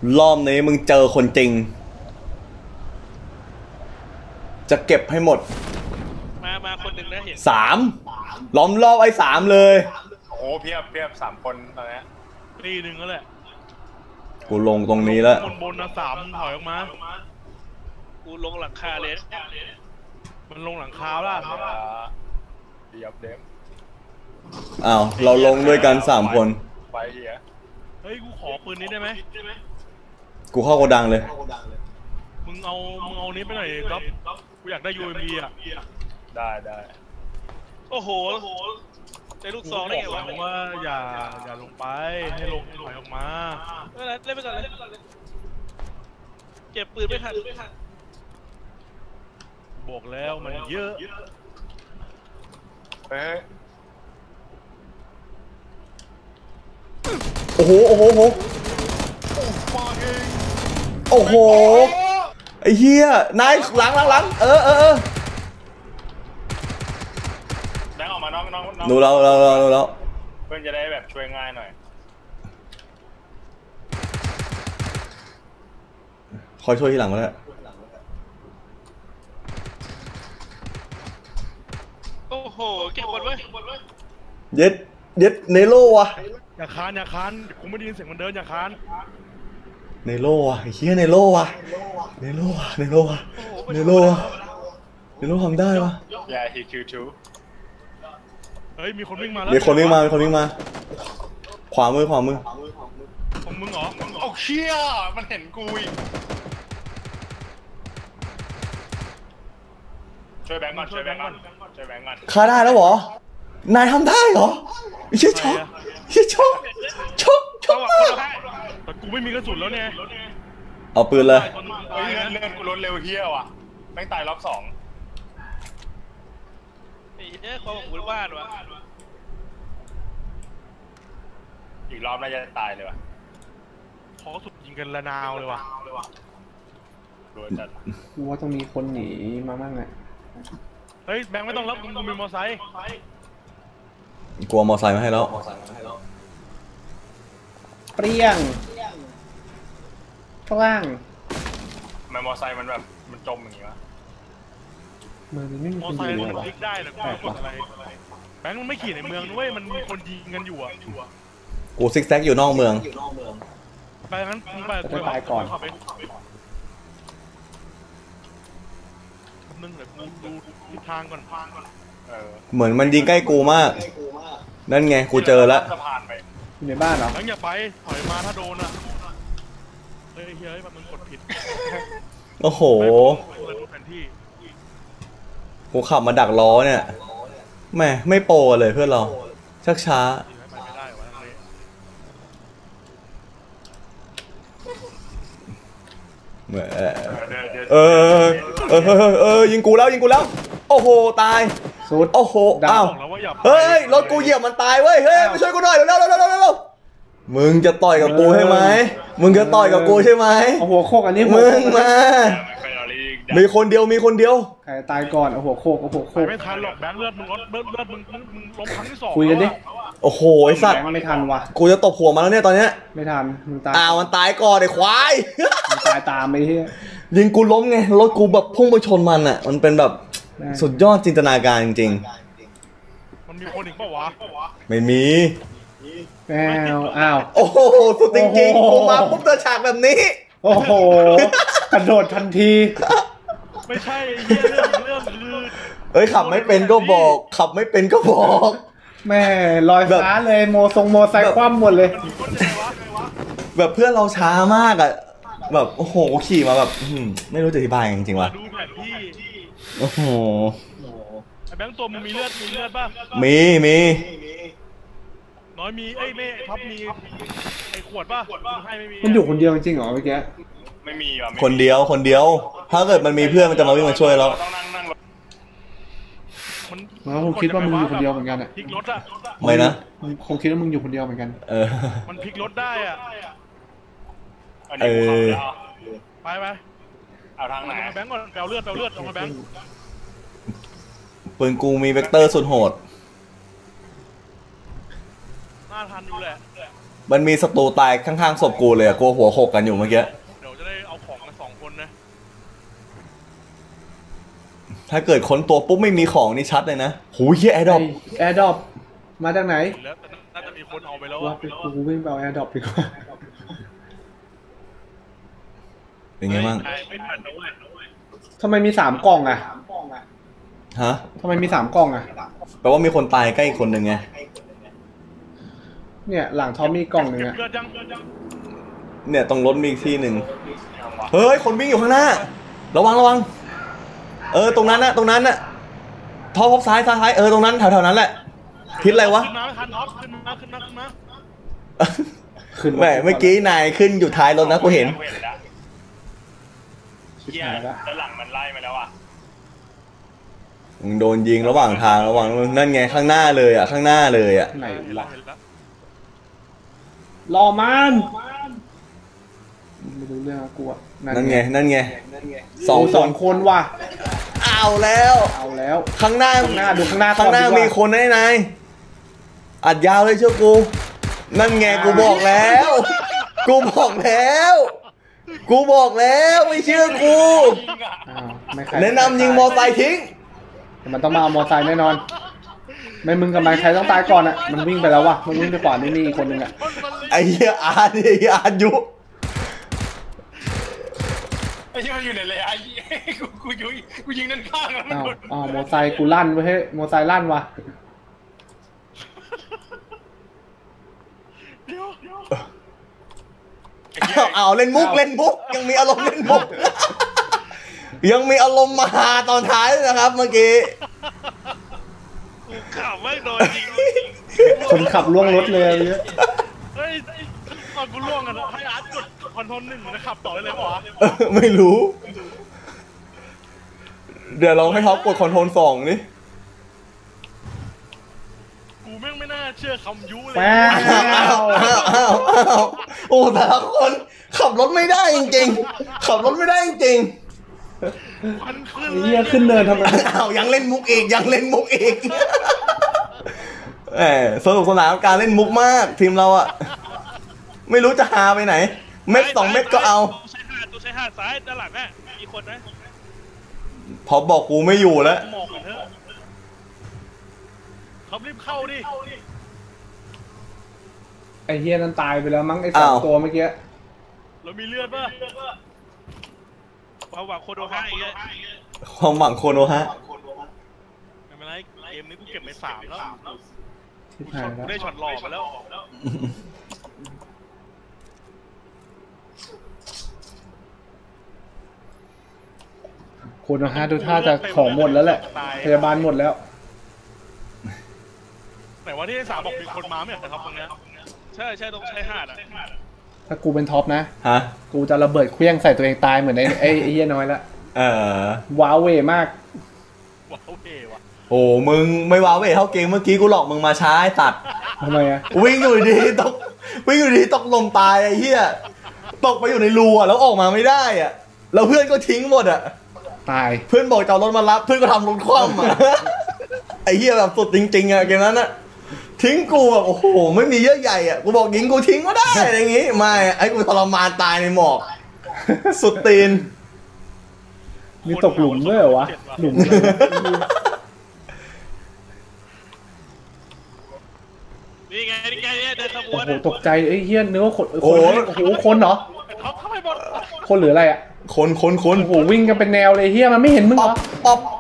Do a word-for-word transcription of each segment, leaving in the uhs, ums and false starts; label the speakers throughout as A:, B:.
A: รอบนี้มึงเจอคนจริงจะเก็บให้หมด
B: มามาคนหนึ่งนะเห็น
A: สามล้อมรอบไอ้สามเลย
C: โอ้โหเพียบเพียบสามคนตอนนี้
B: ตีหนึ่งแล้วแหละ
A: กูลงตรงนี้แล้ว
B: บนบนนะสามถอยออกมากูลงหลังคาเลยมันลงหลังคาล่ะ
C: เดียบเดม
A: อ้าวเราลงด้วยกันสามคน
C: ไปเฮีย
B: เฮ้ยกูขอปืนนี้ได้ไหม
A: กูเข้าโกดังเลย
B: มึงเอามึงเอานี้ไปหน่อยครับกูอยากได้ยูเอ็มพีอ่ะ
C: ได้ได้
B: โอ้โหใจลูกซองได้ไงวะว่าอย่าอย่าลงไปให้ลงถอยออกมาเล่นไปก่อนเลยเก็บปืนไม่ทันบอกแล้วมันเยอะ
C: เฮ้ย
A: โอ้โหโอ้โหโอ้โหไอ้เหี้ยนายหลังหลังหลังเออเออเออ
C: แดงออกมาน้องน้องน้อง
A: ดูเราเราเราเรา
C: เพื่อนจะได้แบบช่วยง่ายหน่อย
A: คอยช่วยทีหลังก็ได้
B: โอ้โหเก็บหมดไว้
A: เย็ดเย็ดเนโร่วะ
B: อย่าคานอย่าคานกูไม่ได้ยินเสียงมันเดินอย่าคาน
A: เนโร่วะไอ้เหี้ยเนโร่วะเนโร่วะเนโร่วะเนโร่วะเนโร่ทำได้วะ
C: อย่าฮิคิวทู
B: เฮ้ยมีคนวิ่งมาแล้ว
A: มีคนวิ่งมามีคนวิ่งมาขวามือขวามือ
B: ของมึงเหรอ
C: โอ้เชี่ยมันเห็นกูอีกช่วยแบงก์ก่อนช่วยแบงก์ก่อนช่วยแบงก์ก่อน
A: ฆ่าได้แล้วเหรอนายทำได้เหรอไอ้เชี่ยช็อกเชี่ยช็อกช็อกช็อก
B: แต่กูไม่มีกระสุนแล้วเนี่ย
A: เอาปืนเลย
C: เฮ้ยเลื่อนกูลดเร็วเฮี้ยว่ะแม่งตายรอบสอง
B: ไอ้เนี่ยความหมู่บ้านวะ
C: อีกรอบน่าจะตายเลยว่ะ
B: ขอสุดยิงกันระนาวเลยว่ะ
D: กูว่าต้องมีคนหนีมาบ้างไง
B: เฮ้ยแบงค์ไม่ต้องรับมึงมีมอไซค์
A: กลัวมอไซค์มาให้แล้ว
D: เปรี้ยงข้างล่าง
C: ทำไมมอไซค์มันแบบมันจมอย่างงี้วะ
D: มันไม่มี
B: มอไซค์มันพลิกได้นะกูกดอะไรแบงค์มันไม่ขี่ในเมืองด้วยมันมีคนยิงกันอยู่อ่ะ
A: กูซิกแซกอยู่นอกเมือง
B: ไปงั้นมึงไป
D: จะตายก่อน
B: นึงเดี๋ยวกูดูทิศทางก่อน
A: เหมือนมันยิงใกล้กูมากนั่นไงกูเจอแล้ว
D: อยู่ในบ้านเหรอ
B: แบงค์อย่าไปถอยมาถ้าโดนอ่ะเฮ้ยเฮ้ยมันกดผิด
A: โอ้โหกูขับมาดักล้อเนี่ยแม่ไม่โปรเลยเพื่อนเราชักช้าเออเออเออเออยิงกูแล้วยิงกูแล้วโอ้โหตาย
D: สุด
A: โอ้โหอ้าวเฮ้ยรถกูเหยียบมันตายเว้ยเฮ้ยมาช่วยกูหน่อยเร็วเร็วเร็วเร็วเร็วมึงจะต่อยกับกูใช่ไหมมึงจะต่อยกับกูใช่ไหม
D: เอาหัวโคกอันนี้
A: มึงมามีคนเดียวมีคนเดียว
D: ใครตายก่อนเอาหัวโคกเอาหัวโคก
B: ไม่ทันหรอกแบงค์เลือดมึงลดเลือดเลือดมึงมึงล้มครั้งที่สอง
D: คุยกันดิ
A: โอ้โหไอ้สัตว์
D: ไม่ทันว่ะ
A: กูจะตบหัวมันแล้วเนี่ยตอนเนี้ย
D: ไม่ทันมึงตาย
A: อ้าวมันตายก่อนไอ้ควาย
D: มันตายตามไปที่
A: ยิงกูล้มไงรถกูแบบพุ่งไปชนมันอ่ะมันเป็นแบบสุดยอดจินตนาการจริง
B: ๆมันมีคนอีกเปล่าวะ
A: ไม่มี
D: อ้าวอ้าว
A: โอ้โหสุดจริงๆกูมาปุ๊บเจอฉากแบบนี้
D: โอ้โหกระโดดทันที
B: ไม่ใช่เรื่องเรื่องคือ
A: เอ้ยขับไม่เป็นก็บอกขับไม่เป็นก็บอก
D: แม่ลอยฟ้าเลยโมทรงโมไซค์คว่ำหมดเลย
A: แบบเพื่อนเราช้ามากอ่ะแบบโอ้โหขี่มาแบบไม่รู้จะอธิบายจริงๆว่ะ
B: ดูแผนที่
A: โอ้โห
B: ไอ้แบงค์ตัวมึงมีเลือดมีเลือดป่ะ
A: มีมี
B: น้อยมีไอ้เม่ท็อปมีไอ้ขวดป่ะให้ไม่มี
D: มันอยู่คนเดียวจริงเหรอเมื่อกี้
C: ไม่มีว่ะ
A: คนเดียวคนเดียวถ้าเกิดมันมีเพื่อนมันจะมาวิ่งมาช่วยเรา
D: มันคงคิดว่ามึงอยู่คนเดียวเหมือนกันอ่ะ
B: พลิกรถอ่ะ
A: ไม่นะ
D: มันคงคิดว่ามึงอยู่คนเดียวเหมือนกัน
A: เออ
B: มันพลิกรถได้อ่ะ
A: เออ
B: ไปไป
C: เอาทางไหน
B: แบงก์ก่อนแปลเลือดแปลเลือดลงมาแบงก์
A: ปืนกูมีเวกเตอร์สุดโหด
B: น่าทันอยู่แหละ
A: มันมีศัตรูตายข้างๆศพกูเลยอะกูหัวโขกกันอยู่เมื่อกี้
B: เดี๋ยวจะได้เอาของมาสองคนนะ
A: ถ้าเกิดค้นตัวปุ๊บไม่มีของนี่ชัดเลยนะหูยเฮียแอร์ดรอป
D: แอร์ดรอปมาจากไหน
B: แล้วน่าจะมีคนเอาไปแล้ว
D: ว่าไปกูวิ่งไปเอาแอร์ดรอปดีกว่า
A: เป็นไงบ้าง
D: ทำไมมีสามกล่องอะ
A: ฮะ
D: ทำไมมีสามกล่องอะ
A: แปลว่ามีคนตายใกล้อีกคนหนึ่งไง
D: เนี่ยหลังทอมมีกล่องหนึ่งอะ
A: เนี่ยตรงรถมีอีกที่หนึ่งเฮ้ยคนวิ่งอยู่ข้างหน้าระวังระวังเออตรงนั้นนะตรงนั้นนะท็อปท็อปซ้ายซ้ายเออตรงนั้นแถวๆนั้นแหละทิศอะไรวะ
B: ขึ้นมาทันท็อปขึ้นมาขึ้นมาขึ้นมา
A: ขึ้นแหมเมื่อกี้นายขึ้นอยู่ท้ายรถนะกูเห็น
C: เฮียแล้วหลังมันไล่มาแล้วอ่ะ
A: โดนยิงระหว่างทางระหว่างนั่นไงข้างหน้าเลยอ่ะข้างหน้าเลยอ่ะ
D: ไหนล่ะรอมันไม่รู้เรื่องกูอ่ะ
A: นั่นไงนั่นไง
D: สองสองคนว่ะ
A: เอาแล้ว
D: เอาแล้ว
A: ข้างหน้า
D: ข้างหน้าดูข้างหน้า
A: ข้างหน้ามีคนแน่นายอัดยาวเลยเชื่อกูนั่นไงกูบอกแล้วกูบอกแล้วกูบอกแล้วไม่เชื่อกูแนะนำยิงมอไซค์ทิ้ง
D: มันต้องมาเอามอไซค์แน่นอนไม่มึงกับมันใครต้องตายก่อนอ่ะมันวิ่งไปแล้ววะมันวิ่งไปขวานี่นี่อีกคนนึงอ่ะ
A: ไอ้เหี้ยอาร์ดิอาร์ยุ
C: ไอ้ที่มันอยู่ไหนเลยไอ้กูกูยิงกูยิงนั่นข้างแล้ว
D: อ้าวอ๋อมอไซค์กูลั่นเว้ยมอไซค์ลั่นวะ
A: เอาเอาเล่นมุกเล่นมุกยังมีอารมณ์เล่นมุกยังมีอารมณ์มาหาตอนท้ายนะครับเมื่อกี้
B: ขับไม่โดนจริง
D: คนขับล่วงรถเลย
B: เฮ้ยตอนกูล่วงกันให้อาร์ตกดคอนโทรลหนึ่งนะขับต่อเลยเหรอ
A: ไม่รู้เดี๋ยวเราให้เขากดคอนโทรลสองนี่
B: กูแม่งไม่น่าเชื่อคำยุเลย
A: อ้าวอ้าวอ้าวอ้าวโอ้แต่ละคนขับรถไม่ได้จริงๆขับรถไม่ได้จริง
D: เฮียขึ้นเนินทำไม
A: อ้าวยังเล่นมุกอีกยังเล่นมุกอีกแหมสนุกสนานการเล่นมุกมากทีมเราอะไม่รู้จะหาไปไหนเม็ดสองเม็ดก็เอา
B: ใช้หาตัวใช้หาซ้ายด้านหลังน่ะมีคนนะ
A: พอบอกกูไม่อยู่แล้ว
B: มองกันเถอะเขารีบเข้าดิ
D: ไอเฮียนั้นตายไปแล้วมั้งไอสองตัวเมื่อกี้
B: เรามีเลือดป่ะความหวังโคโนฮะอีก
A: ความหวังโคโนฮะ
B: ไม่เป็นไรเกมนี้กูเก็บไปสามแล้วกูได้ช็อตหลอกมาแล้ว
D: โคโนฮะดูท่าจะของหมดแล้วแหละพยาบาลหมดแล้ว
B: แต่ว่าที่สามบอกมีคนมาไม่เหรอครับตรงนี้ใช่ใช่ต้องใช้หาดอ่ะ
D: ถ้ากูเป็นท็อปนะ
A: ฮะ
D: กูจะระเบิดเครื่องใส่ตัวเองตายเหมือนไอ้ไอ้เหี้ยน้อยละ
A: เออ
D: ว้าวเวมาก
B: ว้าวเวว่ะ
A: โอ้มึงไม่ว้าวเวเท่าเกมเมื่อกี้กูหลอกมึงมาช้าไอ้ตัด
D: ทำไมอะ
A: วิ่งอยู่ดีตกวิ่งอยู่ดีตกลมตายไอ้เหี้ยตกไปอยู่ในรูอ่ะแล้วออกมาไม่ได้อ่ะแล้วเพื่อนก็ทิ้งหมดอ่ะ
D: ตาย
A: เพื่อนบอกจะเอารถมารับเพื่อนก็ทำรถคว่ำอ่ะไอ้เหี้ยแบบสุดจริงๆอ่ะเกมนั้นอ่ะทิ้งกูแบบโอ้โหไม่มีเยอะใหญ่อ่ะกูบอกยิงกูทิ้งก็ได้อะไรอย่างงี้ไม่ไอ้กูทรมานตายในหมอกสุดตีน
D: มีตกหลุมด้วยเหรอวะหลุม
B: นี่ไงนี่ไงเดินขบวน
D: โอ้โหตกใจไอ้เหี้ยเนื้อคนโอ้โหโอ้โหคนเหรอคนหรืออะไรอ่ะ
A: คนคนคน
D: โอ้โหวิ่งกันเป็นแนวเลยเหี้ยมันไม่เห็นมึงเหรอ
A: ป๊อป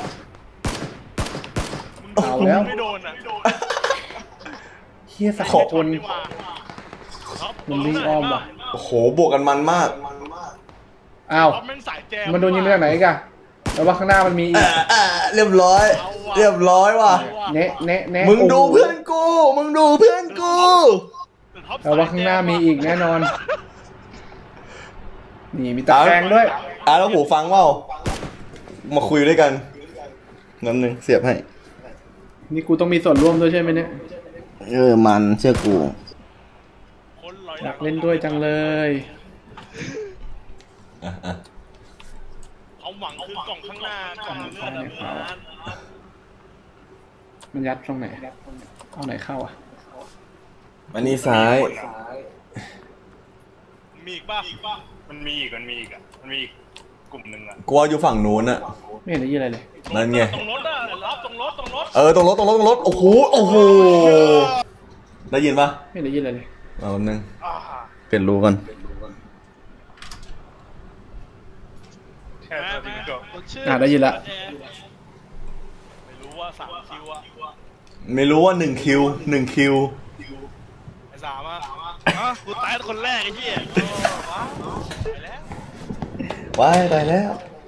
D: เอาแล้ว
B: ไม่โดนอ่ะ
D: เฮียสักคนมันวิ่งอ้อมว่ะ
A: โอ้โหบวกกันมันมาก
D: อ้าวมันโดนยิงได้ไหนกันแล้วว่าข้างหน้ามันมีอีก
A: เรียบร้อยเรียบร้อยว่ะ
D: เนะเนะเนะ
A: มึงดูเพื่อนกูมึงดูเพื่อนกู
D: แล้วว่าข้างหน้ามีอีกแน่นอนนี่มีตาแดงด้วย
A: อ่ะแล้วหูฟังว่ามาคุยด้วยกันงั้นหนึ่งเสียบให้
D: นี่กูต้องมีส่วนร่วมด้วยใช่ไหมเนี่ย
A: เออมันเชื่อกู
D: อยากเล่นด้วยจังเลย
B: เอาหวังคือกล่องข้างหน้ากล่องเลือด
D: มันยัดตรงไหนเอาไหนเข้าอ่ะ
A: อันนี้ซ้าย
B: มีอีกป่ะ
C: มันมีอีกมันมีอีกอ่ะมันมีอีกกลุ่มหนึ่งอ่ะ
A: กลัวอยู่ฝั่งนู้นอะ
D: ไม่เห็นได้ยินอะไรเลย
A: นั่นไง
B: ตรงรถอะรับตรงรถตรงรถ
A: เออตรงรถตรงรถตรงรถโอ้โหโอ้โหได้ยินปะ
D: ไม่เห็นได้ยินอะไรเลย
A: เอาแป๊บนึง
B: อ่า
A: เปลี่ยนรูกัน
C: แค่ตัวที่ก็
D: อ่ะได้ยินละ
B: ไม่รู้ว่าสามคิวอะ
A: ไม่รู้ว่าหนึ่งคิวหนึ่งคิว
B: ไอ้สามอะฮะกูตายคนแรกไอ้เหี้ยไปแล้ว
A: ว้ายตายแล้ว
B: ไ